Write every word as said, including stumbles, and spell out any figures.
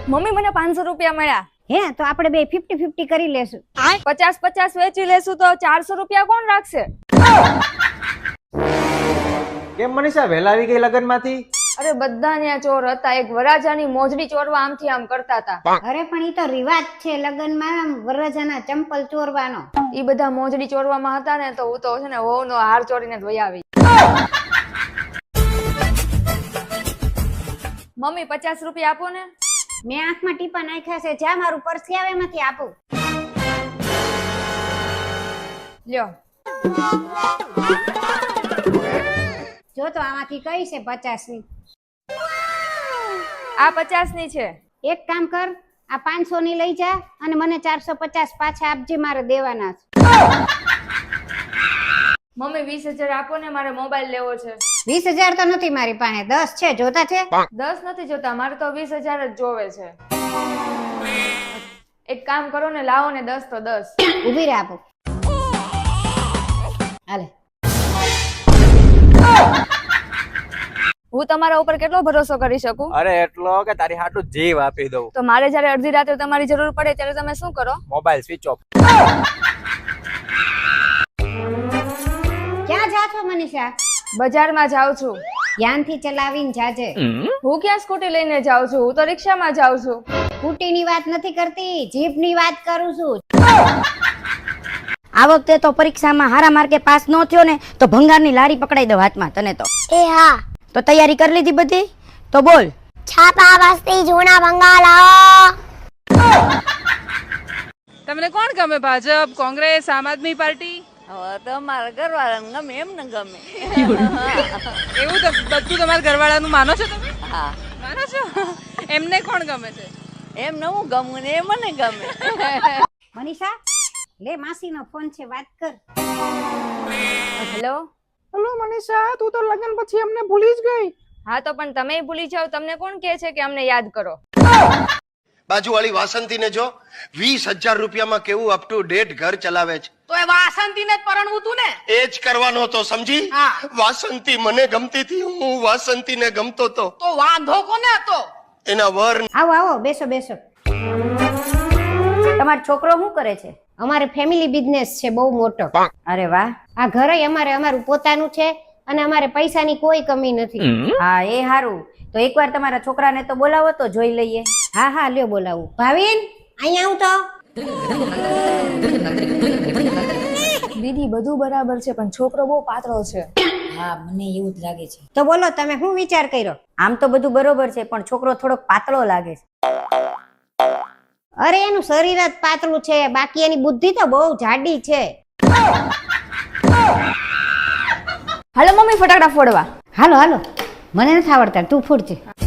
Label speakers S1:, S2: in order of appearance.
S1: Mummy મને પાંચસો રૂપિયા મળ્યા.
S2: હે તો આપણે બે ફિફ્ટી ફિફ્ટી કરી લેશું.
S1: પચાસ પચાસ વેચી લેશું તો ચારસો રૂપિયા કોણ રાખશે?
S3: કેમ મનીષા વહેલા આવી ગઈ લગન માંથી?
S1: અરે બધા ત્યાં ચોર હતા. એક વરાજાની મોજડી ચોરવા આમથી આમ કરતા હતા.
S2: અરે પણ ઈ તો રિવાજ છે લગનમાં વરરાજાના ચંપલ ચોરવાનો.
S1: ઈ બધા મોજડી ચોરવામાં હતા ને તો હું તો છે ને વહુનો હાર ચોરીને જ વહી આવી. મમ્મી પચાસ રૂપિયા આપો ને.
S2: મેં આંખમાં ટીપા નાખ્યા છે, જ્યાં મારું પર્સ આવે એમાંથી આપું.
S1: લ્યો.
S2: જો તો આમાંથી કઈ છે પચાસ ની?
S1: આ પચાસ ની છે.
S2: એક કામ કર, આ પાંચસો ની લઈ જા અને મને ચારસો પચાસ પાછા આપજે, મારે દેવાના છે.
S1: મમ્મી વીસ હજાર આપો ને, મારે મોબાઈલ લેવો છે.
S2: વીસ હજાર તો નથી મારી પાસે, દસ છે. જોતા છે?
S1: દસ નથી જોતા, મારે તો વીસ હજાર જ જોવે છે. એક કામ કરો ને, લાવો ને દસ તો દસ.
S2: ઉભી રહે, આપો. હાલે.
S1: હું તમારા ઉપર કેટલો ભરોસો કરી શકું?
S3: અરે એટલો કે તારી હાટુ જીવ આપી દઉં.
S1: તો મારે જયારે અડધી રાત્રે તમારી જરૂર પડે ત્યારે તમે શું કરો?
S3: Mobile switch off.
S2: ક્યાં જા છો મનીષા?
S1: બજારમાં જાઉં છું.
S2: ધ્યાનથી ચલાવીને જાજે.
S1: હું ક્યાં સ્કૂટી લઈને જાઉં છું? હું તો રિક્ષામાં જાઉં છું.
S2: સ્કૂટી ની વાત નથી કરતી, જીપ ની વાત કરું છું. આ વખતે તો પરીક્ષામાં હારા માર્કે પાસ ન થયો ને તો ભંગારની લારી પકડાઈ દો હાથમાં તને તો.
S4: એ હા,
S2: તો તૈયારી કરી લીધી બધી? તો બોલ.
S4: છાપા બસ્તી જૂના ભંગાર લાવો.
S5: તમને કોણ ગમે? ભાજપ, કોંગ્રેસ, આમ આદમી પાર્ટી?
S6: હવે તો મારા ઘરવાળાને ગમે એમ ને ગમે.
S5: એવું તો બધું તમારા ઘરવાળાનું માનો છો તમે?
S6: હા,
S5: માનો છો? એમને કોણ ગમે છે?
S6: એમને હું ગમું ને એ મને ગમે.
S2: મનીષા લે, માસીનો ફોન છે, વાત કર.
S1: હેલો.
S5: હેલો મનીષા, તું તો લગ્ન પછી અમને ભૂલી જ ગઈ.
S1: હા તો પણ તમે ભૂલી જાવ, તમને કોણ કહે છે કે અમને યાદ કરો?
S7: બાજુવાળી વાસંતી ને જો વીસ હજાર રૂપિયામાં કેવું અપ ટુ ડેટ ઘર ચલાવે છે.
S5: તો એ વાસંતીને જ પરણવું તું ને?
S7: એ જ કરવાનો હતો, સમજી? વાસંતી મને ગમતી હતી, હું વાસંતીને ગમતો તો.
S5: તો વાંધો કોને હતો?
S7: એના વર.
S2: આવો આવો, બેસો બેસો. તમારો છોકરો શું કરે છે? અમારે ફેમિલી બિઝનેસ છે બહુ મોટો. અરે વાહ. આ ઘર અમારે અમારું પોતાનું છે અને અમારે પૈસાની કોઈ કમી નથી. હા એ સારું. તો એકવાર તમારા છોકરાને તો બોલાવો તો જોઈ લઈએ. હા હા લ્યો બોલાવું. ભાવિન અહીંયા આવું તો.
S1: દીદી બધું બરાબર છે પણ છોકરો બહુ પાતળો છે.
S2: હા મને એવું જ લાગે છે. તો બોલો તમે શું વિચાર કર્યો? આમ તો બધું બરોબર છે પણ છોકરો થોડોક પાતળો લાગે છે. અરે એનું શરીર જ પાતળું છે, બાકી એની બુદ્ધિ તો બહુ જાડી છે.
S1: હાલો મમ્મી ફટાકડા ફોડવા.
S2: હાલો હાલો, મને નથી આવડતા, તું ફોડ છે.